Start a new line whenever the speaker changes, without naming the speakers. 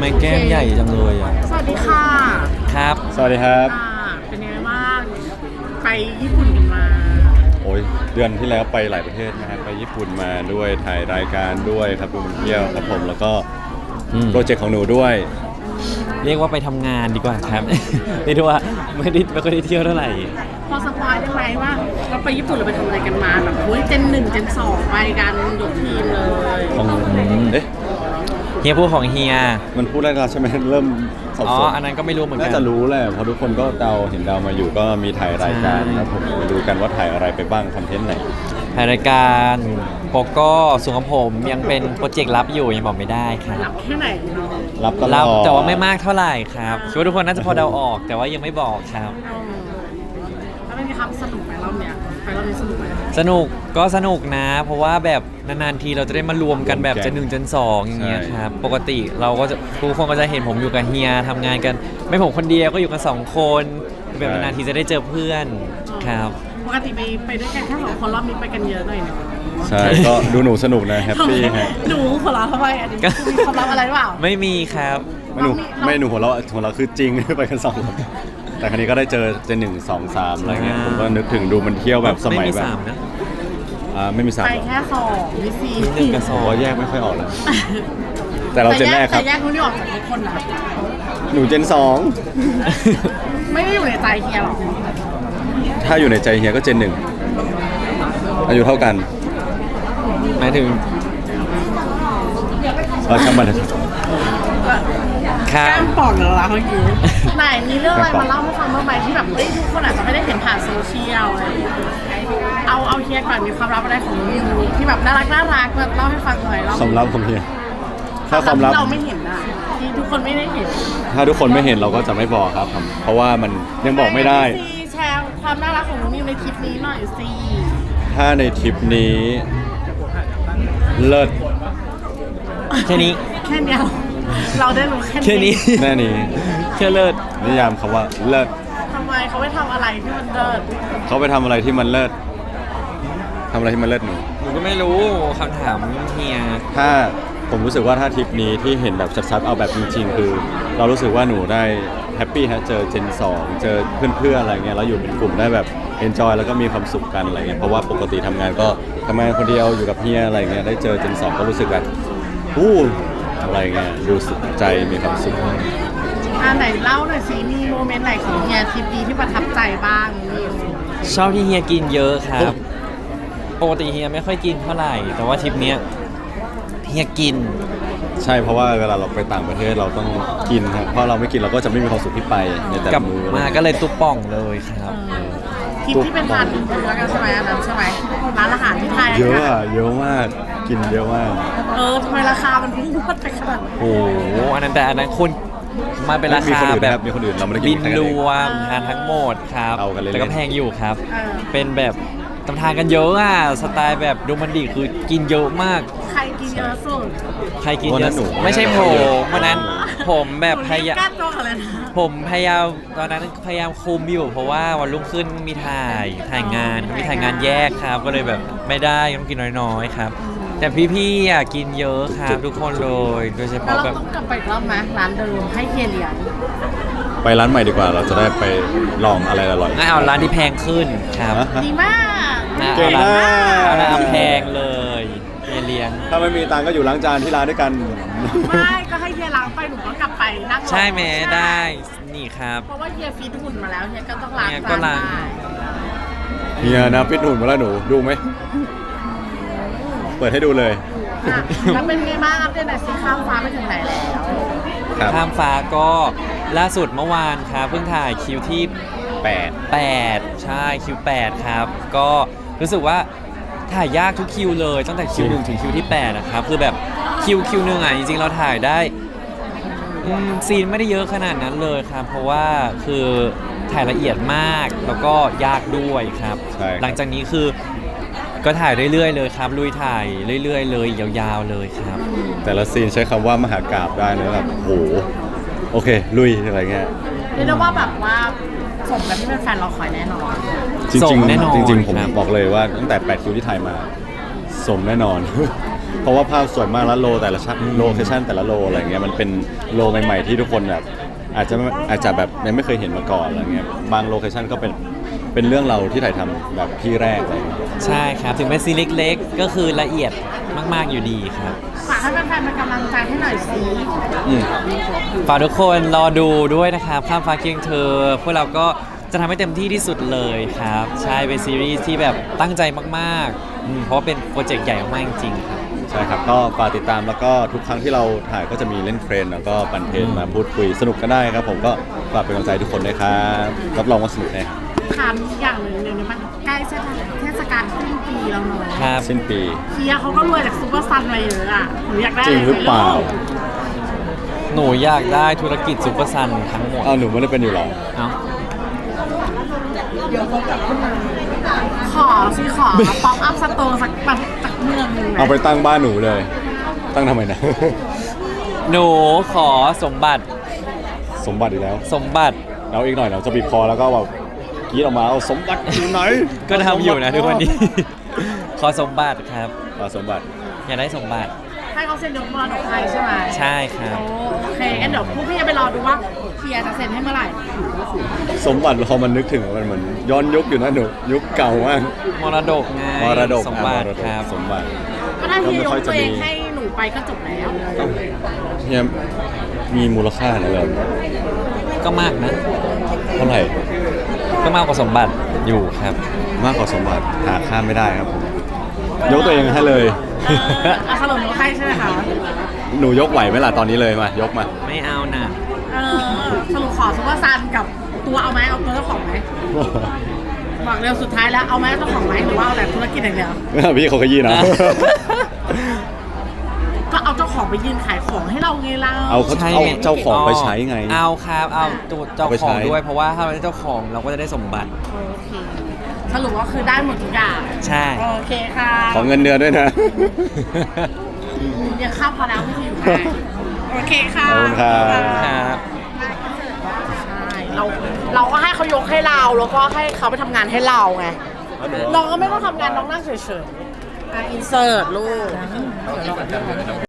ไมแก้มใหญ่จังเลยอ่ะ
สวัสดีค่ะ
ครับ
สวัสดีครับ
เป็นยังไงบ้างไปญี่ปุ่นกันมา
โอ้ยเดือนที่แล้วไปหลายประเทศนะครับไปญี่ปุ่นมาด้วยถ่ายรายการด้วยครับดูมันเที่ยวครับผมแล้วก็โปรเจกต์ของหนูด้วย
เรียกว่าไปทำงานดีกว่าครับ เรียกได้ว่าไม่ค่อยได้เที่ยวเท่าไหร่
พอสปอยได้ไหมว่าเราไปญี่ปุ่นเราไปทำอะไรกันมาแบบโอ้ยเจน 1 เจน 2ไปกันยกทีมเลย
ของเอ๊ะ
เฮียพูดของเฮีย
มันพูดได้แล้วใช่ไหมเริ่มสับสน
อันนั้นก็ไม่รู้เหมือนกัน
น่าจะรู้แหละเพราะทุกคนก็เห็นเดามาอยู่ก็มีถ่ายรายการครับผมมาดูกันว่าถ่ายอะไรไปบ้างคอนเทนต์ไหน
ถ่ายรายการโปโก้ส่วนของผมยังเป็นโปรเจกต์ลับอยู่ยังบอกไม่ได้ครับ
รับแค่ไหน
รับตลอด
รับแต่ว่าไม่มากเท่าไหร่ครับคิดว่าทุกคนน่าจะพอเดาออกแต่ว่ายังไม่บอกครับ
แล้วเป็นไงครับสนุกไหมรอบเนี้ยไปรอบนี้สนุกไหม
สนุกนะเพราะว่าแบบนานๆทีเราจะได้มารวมกันแบบ1 เจน 2อย่างเงี้ยครับปกติเราก็จะทุกคนก็จะเห็นผมอยู่กับเฮียทำงานกันไม่ผมคนเดียวก็อยู่กัน2 คนแบบนานๆทีจะได้เจอเพื่อนครับ
ปกติไปด้วยกันแค่2 คนรอบนี้ไปกันเยอะหน่อยนะ
ใช่ก็ดูหนูสนุกนะแฮปปี้ฮะ
หนูหัวเราะทำไมอันนี้มีความลับอะไรหรือเปล่า
ไม่มีครับ
ไม่หนูหัวเราะคือจริงไปกัน2 คนแต่ครั้นี้ก็ได้เจอเจน1 2 3อะไรเงี้ยผมก็นึกถึงดูมันเที่ยวแบบสมัยแบบไม่มี3
ไปแค่2มี
4 1 กับ 2
แยกไม่ค่อยออกเลยแต่เราเจนแรกครับ
แต่แยกนู้นนี่ออกจากทุกคนนะ
หนูเจน
2ไม่ได้อยู่ในใจเฮียหรอ
ถ้าอยู่ในใจเฮียก็เจน1อายุเท่ากัน
หมายถึง
ช่างมัน
แก้มป่องเหรอเมื่อกี้ไหนมีเรื่องอะไรมาเล่าให้ฟังบ้างไหมที่แบบทุกคนอาจจะไม่ได้เห็นผ่านโซเชียลอะไรเอาเฮียก่อนมีความลับอะไรของมิวที่แบบน่ารักแบบเล่าให้ฟังหน่อย
ความลับของเฮียถ้าความลับ
เราไม่เห็นนะที่ทุกคนไม่ได้เห็น
ถ้าทุกคนไม่เห็นเราก็จะไม่บอกครับเพราะว่ามันยังบอกไม่ได้
แชร์ความน่ารักของมิวในทริปนี้หน่อยสิ
ถ้าในทริปนี้เลิศ
แค่นี้
เราได้รู้
แค่นี้
แน่นี้
แค่เลิศ
นิยามคำว่าเลิศ
ทำไมเขาไปทำอะไรที่มันเลิศ
เขาไปทำอะไรที่มันเลิศทำอะไรที่มันเลิศหนู
ก็ไม่รู้คำถามเฮีย
ถ้าผมรู้สึกว่าถ้าทริปนี้ที่เห็นแบบชัดๆเอาแบบจริงๆคือเรารู้สึกว่าหนูได้แฮปปี้ฮะเจอเจน2เจอเพื่อนๆอะไรเงี้ยแล้วอยู่เป็นกลุ่มได้แบบเอนจอยแล้วก็มีความสุขกันอะไรเงี้ยเพราะว่าปกติทำงานก็ทำงานคนเดียวอยู่กับเฮียอะไรเงี้ยได้เจอเจน2ก็รู้สึกแบบอะไรเงี้ยดูสุขใจมีความสุข
ไหนเล่าหน่อยสิมีโมเมนต์ไหนของเฮียทริปนี้ที่ประทับใจบ้าง
ชอบที่เฮียกินเยอะครับปกติเฮียไม่ค่อยกินเท่าไหร่แต่ว่าทริปนี้เฮียกิน
ใช่เพราะว่าเวลาเราไปต่างประเทศเราต้องกินครับเพราะเราไม่กินเราก็จะไม่มีความสุขที่ไปในแต่
ละมื้อมาก็เลยตุ๊บป่องเลยครับ
ทริปที่เป็นทานเนื้อกันใช่ไหมอันนั้นใช่ไหมร้านอาหารที่ไทย
เยอะมากกินเยอะมาก
ทำไมราคามันพุ่งพรวดไปขนาดนั้น
โอ้โหอันนั้นคุณมาเป็นราคาแบบ
มีคนอื่นเราไม่ได้กิน
บินรวมทานทั้งหมดครับแต่ก็แพงอยู่ครับเป็นแบบตำทานกันเยอะสไตล์แบบดูมันดีคือกินเยอะมาก
ใครกินเยอะสุด
ใครกินเยอะสุดไม่ใช่ผมวันนั้นผมแบบพยายามตอนนั้นพยายามคุมอยู่เพราะว่าวันรุ่งขึ้นมีถ่ายงานแยกครับก็เลยแบบไม่ได้ต้องกินน้อยๆครับแต่พี่ๆกินเยอะครับทุกคนเลยโดยเฉพาะแบบ
ต้องกลับไปอีกรอบไหมร้านเดิมให้เฮียเลี้ยง
ไปร้านใหม่ดีกว่าเราจะได้ไปลองอะไรอร่อย
งั้นเอาร้านที่แพงขึ้นครับ
ดีมาก
เก่งมาก
ร้านแพงเลยเฮียเลี้ยง
ถ้าไม่มีตังก็อยู่ล้างจานที่ร้านด้วยกัน
ไม่ก็ให้เฮียล้างไปหนูก็กลับไปนั่ง
ใช่ไหมได้นี่ครับ
เพราะว่าเฮียฟีดหุ่นมาแล้วเฮียก็ต้องล้างจานได้
เฮียนะฟีดหุ่นมาแล้วหนูดูไหมเปิดให้ดูเลย
แล้วเป็นไงบ้างอัปเดตหน่อยสิข้ามฟ้าไปถึงไหนแล้ว
ข้ามฟ้าก็ล่าสุดเมื่อวานครับเพิ่งถ่ายคิวที่8ใช่คิว8ครับก็รู้สึกว่าถ่ายยากทุกคิวเลยตั้งแต่คิว1ถึงคิวที่8นะครับคือแบบคิวนึงจริงๆเราถ่ายได้ซีนไม่ได้เยอะขนาดนั้นเลยครับเพราะว่าคือถ่ายละเอียดมากแล้วก็ยากด้วยครับหลังจากนี้คือก็ถ่ายเรื่อยๆเลยครับลุยถ่ายเรื่อยๆเลยยาวๆเลยครับ
แต่ละซีนใช้คำว่ามหากาพย์ได้นะแบบโหโอเคลุยอะไรเงี้ย
เรียกได้ว่าแบบว่าสมกับที่เป็นแฟนเราคอยแน่นอน
จริงๆผมบอกเลยว่าตั้งแต่8คิวที่ถ่ายมาสมแน่นอนเพราะว่าภาพสวยมากแล้วแต่ละโลเคชั่นแต่ละโลอะไรเงี้ยมันเป็นโลใหม่ๆที่ทุกคนแบบอาจจะแบบยังไม่เคยเห็นมาก่อนอะไรเงี้ยบางโลเคชั่นก็เป็นเรื่องเราที่ถ่ายทำแบบที่แรกอะไรเงี้ย
ใช่ครับถึงเป็นซีนเล็กๆก็คือละเอียดมากๆอยู่ดีครับ
ฝากให้แฟนๆเป็นกำลังใจให้หน่อยสิ
ฝากทุกคนรอดูด้วยนะครับข้ามฟ้าเคียงเธอพวกเราก็จะทำให้เต็มที่ที่สุดเลยครับใช่เป็นซีรีส์ที่แบบตั้งใจมากๆเพราะว่าเป็นโปรเจกต์ใหญ่มากๆจริงๆครับ
ใช่ครับก็ฝากติดตามแล้วก็ทุกครั้งที่เราถ่ายก็จะมีเล่นเทรนแล้วก็ปั่นเทรนมาพูดคุยสนุกกันได้ครับผมก็ฝากเป็นกำลังใจทุกคนด้วยครับรับรองว่าสนุกแน่ครับ
ถามอีกอย่างหนึ่งเดี๋ยวนี้มันใกล้เทศกาลสิ้นปีแล้วเนาะ
ครับ
สิ้นปี
เฮียเขาก็รวยจากซูเปอร์ซันมาเยอะอ่ะหนูอยากได้
จริงหรือเปล่า
หนูอยากได้ธุรกิจซูเปอร์ซันทั้งหมด
อ้าวหนูไม่ได้เป็นอยู่หรอ
เอ้า
ขอสิขอป๊อปอัพสโตร์สักเมืองหนึงนะ
เอาไปตั้งบ้านหนูเลย ตั้งทำไมนะ
หนูขอสมบัติ
สมบัติอีกแล้ว
สมบัติ
แล้วอีกหน่อยเราจะบีบคอแล้วก็แบบกรีดออกมาเอาสมบัติอยู่ไหน
ก็ทำอยู่นะทุกวันนี้ ขอสมบัติครับ
เอาสมบัติ
อยากได้สมบัติ
ให้เขาเซ็นยกมรดกให้ใช่ไหม
ใช่ครับ
โอเคงั้นเดี๋ยวพวกพี่จะไปรอดูว่าเฮียจะเซ็นให้เมื่อไหร่
สมบัติพอมันนึกถึงมันเหมือนย้อนยุคอยู่นะหนูยุคเก่ามาก
มรดกไง
มรดก
สมบัติ
มรดก
ครับ
สมบัติ
ก็ถ้าเฮียยก
ก็ไม่ค่อยจะ
ตัวเอง
มี
ให้หนูไปก็จบแล้ว
เนี่ยมีมูลค่าอะไรแบบ
ก็มากนะ
เท่าไหร่
ก็มากกว่าสมบัติอยู่ครับ
มากกว่าสมบัติหาค่าไม่ได้ครับผมยกตัวเองให้เลย
เอาสรุปยกให้ใช่ไหมคะ
หนูยกไหวไหมล่ะตอนนี้เลยมายกมา
ไม่เอานะ
สรุปขอซูเปอร์ซันกับตัวเอาไหมเอาตัวเจ้าของไหมบอกเร็วสุดท้ายแล้วเอาไหมเจ้าของไหมหรือว่าเอาแต่ธุรกิจอย่างเดียว
พี่เขาขยี้นะ
ก็เอาเจ้าของไปยืนขายของให้เราไงเรา
เอาเขา
ใช่
เอา
ไง
เจ้าของไปใช้ไง
เอาครับเอาตัวเจ้า
เอาไป
ข
ใช้
องด้วยเพราะว่าถ้าเราได้เจ้าของเราก็จะได้สมบัติ
โอเคสรุปว่าคือได้หมดทุกอย่าง
ใช่
โอเคค่ะ
ขอเงินเดือนด้วยนะ
ยังข้ามพอแล้วไม่ถึงให้โอเคค่ะ
ขอบคุณครับ
ครับ
ใช่เราก็ให้เขายกให้เราแล้วก็ให้เขาไปทำงานให้เราไงน้องก็ไม่ต้องทำงานน้องนั่งเฉยๆอินเสิร์ตลูก